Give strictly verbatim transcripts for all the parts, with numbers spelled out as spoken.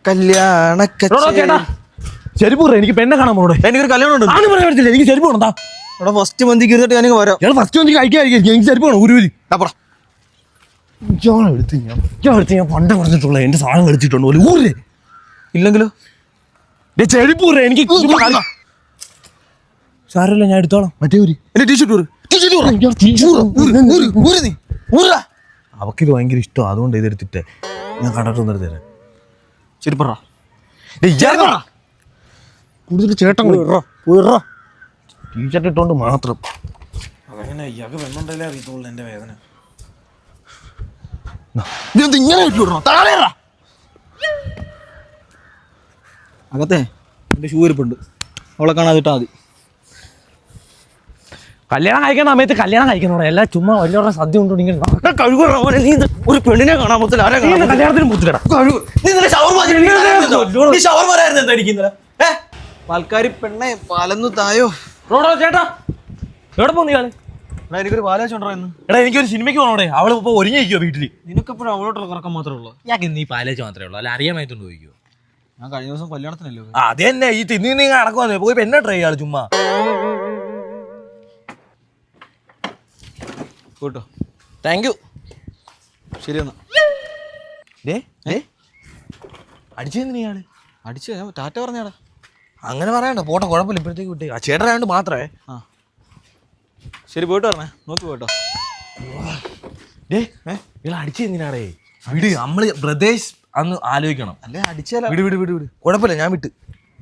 കല്യാണ ചെരുപ്പ് എനിക്ക് പെണ്ണെ കാണാൻ പോണേ. എനിക്കൊരു കല്യാണം ഉണ്ട്. ആരും പറയാൻ പറ്റില്ല. എനിക്ക് ചെരുപ്പ് വേണം. ഇവിടെ ഫസ്റ്റ് മന്തിക്ക് ഇരുന്നിട്ട് ഞാനിങ്ങ് വരാം. ഞാൻ ഫസ്റ്റ് മന്തിക്ക് കഴിക്കാതിരിക്കും. എനിക്ക് ചെരുപ്പ് വേണം. ഊരി ഞാൻ എടുത്ത് ഞാൻ ഞാൻ എടുത്ത് ഞാൻ പണ്ട പറഞ്ഞിട്ടുള്ള എന്റെ സാധനം കളിച്ചിട്ടുണ്ട് പോലെ ഊരേ. ഇല്ലെങ്കിലോ ചെരുപ്പ് ഊരേ. എനിക്ക് സാരമില്ല, ഞാൻ എടുത്തോളാം. മറ്റേ ഊരി എന്റെ ടീഷർട്ട് ഊര്. അവക്കിത് ഭയങ്കര ഇഷ്ടമാണ്, അതുകൊണ്ട് ഇതെടുത്തിട്ടേ ഞാൻ കണ്ടിട്ടൊന്നും എടുത്തേ. ചെരുപ്പറ കൂടുതൽ ചേട്ടൻ ടീഷർട്ട് ഇട്ടോണ്ട് മാത്രം. അതങ്ങനെ ഇയാൾക്ക് വെണ്ണുണ്ടല്ലേ അറിയത്തുള്ളൂ എന്റെ വേദന. ഇങ്ങനെ അകത്തെ എന്റെ ഷൂ ഇരിപ്പുണ്ട്, അവളെ കാണാതിട്ടാ മതി. കല്യാണം കഴിക്കുന്ന സമയത്ത് കല്യാണം കഴിക്കുന്നോടെ എല്ലാം ചുമ്മാ വലിയ സദ്യ കൊണ്ടു ഇങ്ങനെ കഴുകുറ. നീ ഒരു പെണ്ണിനെ കാണാൻ പറ്റില്ല. ആരെ കല്യാണത്തിന് മുത്തിലടാ പാൽക്കാരി പെണ്ണെ പാലന്നു തായോ. ചേട്ടാ എവിടെ പോന്നു ഇയാള്? എനിക്കൊരു പാലാച്ചുണ്ടോ ഇന്ന്. എടാ എനിക്കൊരു സിനിമയ്ക്ക് പോകണോടെ. അവള് ഇപ്പൊ ഒരുങ്ങിയിരിക്കുവോ വീട്ടില്? നിനക്കെപ്പോഴും അവളോട്ടുള്ള കറക്കം മാത്രമേ ഉള്ളൂ. ഞാൻ ഇന്ന് ഈ പാലേച്ച് മാത്രമേ ഉള്ളൂ, അല്ല അറിയാമായിട്ടുണ്ട് ചോദിക്കുവോ? ഞാൻ കഴിഞ്ഞ ദിവസം കല്യാണത്തിനല്ലോ. അത് തന്നെ ഈ തിന്നി നീ നടക്കുവന്നേ പോയി പെണ്ണെ ട്രൈ ചെയ്യാള് ചുമ്മാ കേട്ടോ. Thank you. ശരി എന്നാ. അടിച്ചെന്തിനാ ഇയാള്? അടിച്ചു ടാറ്റ പറഞ്ഞാടാ. അങ്ങനെ പറയണ്ട, പോട്ടെ, കുഴപ്പമില്ല. ഇപ്പോഴത്തേക്ക് വിട്ടേ. ആ ചേട്ടനായോണ്ട് മാത്രമേ. ആ ശരി, പോയിട്ട് പറഞ്ഞേ. നോക്കി പോട്ടോ. ഏ ഇയാൾ അടിച്ചെന്തിനാടേ? വിട്, നമ്മള് ബ്രദേഴ്സ് അന്ന് ആലോചിക്കണം. അല്ലേ അടിച്ചാലോ. വിട് വിട് വിട് വിട് കുഴപ്പമില്ല, ഞാൻ വിട്ട്.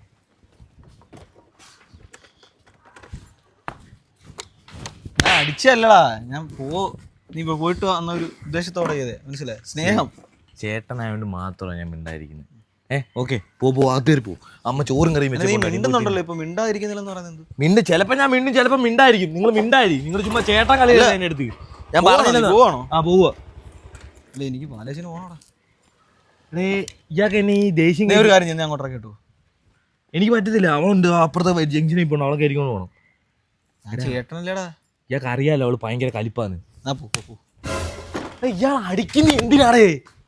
ഞാൻ അടിച്ചല്ലടാ, ഞാൻ പോ നീ പോയിട്ട് വന്ന ഒരു ഉദ്ദേശത്തോടെ ചെയ്തേ, മനസ്സിലായി? സ്നേഹം. ചേട്ടനായോണ്ട് മാത്രമാണ് ഞാൻ മിണ്ടായിരിക്കുന്നത്. ഏ ഓക്കെ, പോ പോ അകത്തേറി പോ. അമ്മ ചോറും കറിയും വെച്ച് മിണ്ടുന്നുണ്ടല്ലോ ഇപ്പൊ. മിണ്ടായിരിക്കുന്നില്ലെന്ന് പറയുന്നത് മിണ്ട്. ചിലപ്പോ ഞാൻ മിണ്ടും, ചിലപ്പോ മിണ്ടായിരിക്കും. നിങ്ങൾ മിണ്ടായിരിക്കും. നിങ്ങൾ ചുമ്മാ ചേട്ടൻ കളിയല്ല എന്റെ അടുത്ത്. ഞാൻ പറഞ്ഞില്ല. പോവാണോ? ആ പോവാ. അല്ല എനിക്ക് പാലേശിന് പോകണോടാ. ഇയാൾക്ക് എന്നെ ഈ ദേഷ്യം ഒരു കാര്യം ഞാൻ അങ്ങോട്ടേ കേട്ടു. എനിക്ക് പറ്റത്തില്ല. അവളുണ്ട് അപ്പുറത്തെ ജംഗ്ഷനിൽ പോകണം, അവളെ കയറിക്കൊണ്ട് പോകണം. ചേട്ടനല്ലേടാ. ഇയാൾക്ക് അറിയാലോ അവള് ഭയങ്കര കലിപ്പാന്ന്. ആ പോ പോ. ഇയാൾ അടിക്കുന്ന എന്തിനാടേ?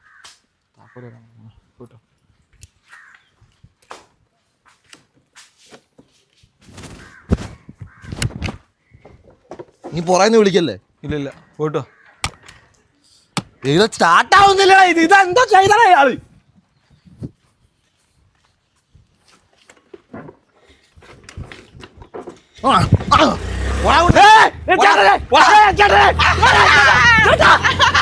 നീ പുറന്ന് വിളിക്കല്ലേ? ഇല്ല ഇല്ല, പോയിട്ടോ. ഇത് സ്റ്റാർട്ട് ആവുന്നില്ല. ഇത് ഇതെന്തോ ചെയ്തടാ ഇയാള്. ആ